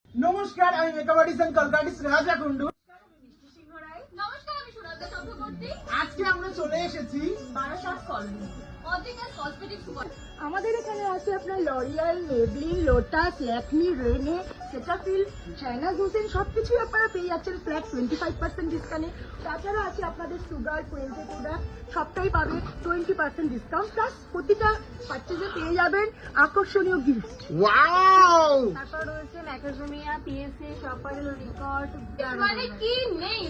নমস্কার, আমি makeup artist Kolkata রাজা কুন্ডু। নমস্কার, আমি সুনন্দা চক্রবর্তী। আজকে আমরা চলে এসেছি Barasat colony original cosmetics super. আমাদের এখানে আছে আপনার L'Oreal, Maybelline, Lotus, Lakme, Renee, Cetaphil, চায়না হোসেন সবকিছুই আপনারা পেয়ে যাচ্ছেন ফ্ল্যাট 25% ডিসকাউন্টে। তাছাড়া আছে আপনাদের সুগার, কোয়েন্টে প্রোডাক্ট সবটাই পাবে 20% ডিসকাউন্ট, প্লাস প্রতিটা পার্চেজে পেয়ে যাবেন আকর্ষণীয় গিফট। ওয়াও! তারপর রয়েছে ম্যাকাজোমিয়া, পিএসএ, শপারেল, রিকর্ড, মানে কি নেই